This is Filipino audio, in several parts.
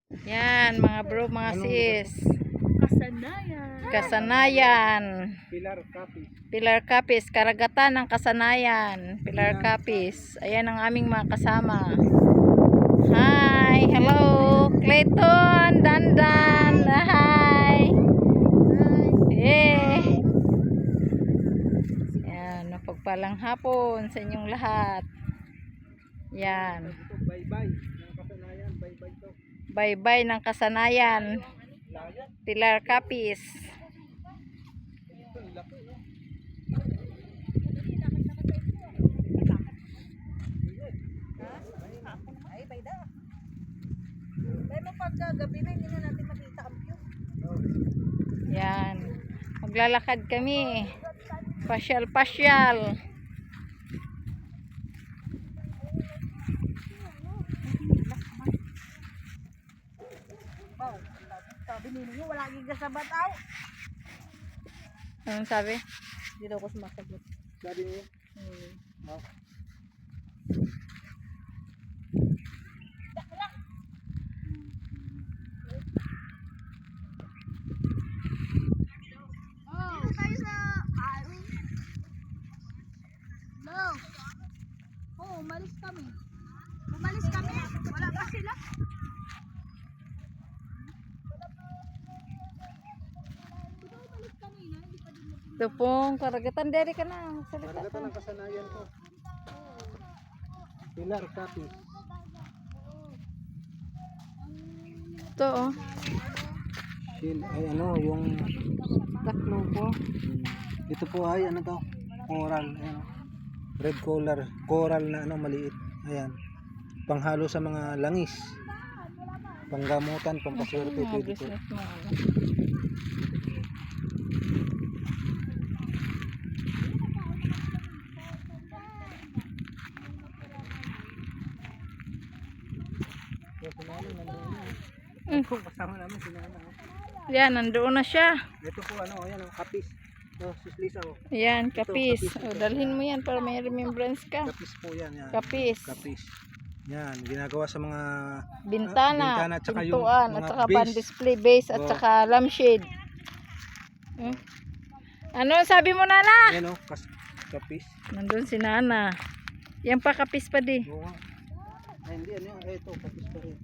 Yan, mga bro, mga sis. Kasanayan. Kasanayan. Pilar Capiz. Pilar Capiz, karagatan ng Kasanayan. Pilar Capiz. Ayan ang aming mga kasama. Hi, hello, Clayton, Dandan. Hi. Eh. Yan, mapagpalang hapon sa inyong lahat. Yan. Bye-bye ng Kasanayan. Bye-bye to. Bye-bye ng Kasanayan. Pilar Capiz. Ay, bayda. Pero pagkagabi na, hindi na natin makita ang view. Yan. Maglalakad kami. Pasyal-pasyal. Wow, sabi ninyo, wala gigasabat aw. Anong sabi? Hindi daw ako sumasagot. Sabi niyo? Oh. Dito tayo sa Ari. No. Oo, umalis kami. Umalis kami. Wala pa sila. Ito pong karagatan. Dere ka na. Salita Karagatan ka. ng Kasanayan ko. Pilar Capiz. Ito oh. Ay ano, yung Taklo po. ito po ay ano to? Coral. Ayan. Red color. Coral na ano, maliit. Ayan. Panghalo sa mga langis. Panggamutan, pampaswerte. Mga Pwede po. business mo. Ano. Kasama namin si Nana. Yan, nandoon na siya. Ito po ano, ayan oh, kapis. Oh, Sislisa oh. Yan, kapis. kapis O, ito. dalhin mo yan para may remembrance ka. Kapis po yan. Yan. Kapis. Kapis. Yan, ginagawa sa mga Bintana, tsaka yung pintuan, mga at saka base. pan-display base, at Oh. saka lampshade. Ano sabi mo, Nana? Ayan oh, kapis. Nandun si Nana. Yan pa, kapis pa di. Oo nga. Ay, hindi, ano yan? Ay, ito, kapis pa rin.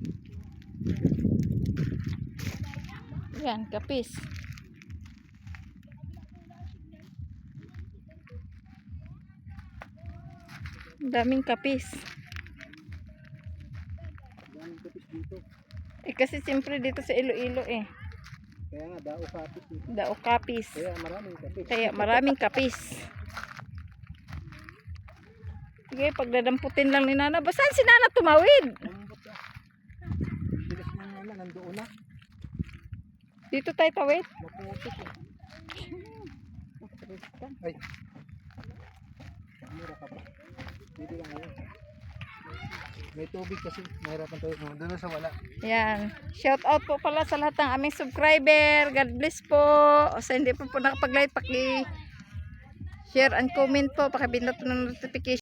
Yan, kapis. Ang daming kapis. Daming kapis dito. Eh kasi siyempre dito sa Iloilo eh. Kaya nga, dao kapis dito. Dao kapis. Kaya maraming kapis. Kaya maraming kapis. Sige, pagdadamputin lang ni Nana. Basan si Nana tumawid? Lambot ah. Bilis na nga na, nandoon na. Dito tayo tawid. Maputik eh. Ay. Mura ka pa. Dito lang ngayon. May tubig kasi. Mahirapan tayo. Doon na sa wala. Yan. Shout out po pala sa lahat ng aming subscriber. God bless po. O sa hindi po nakapag-like, paki-share and comment po. Pakibindot ng notification.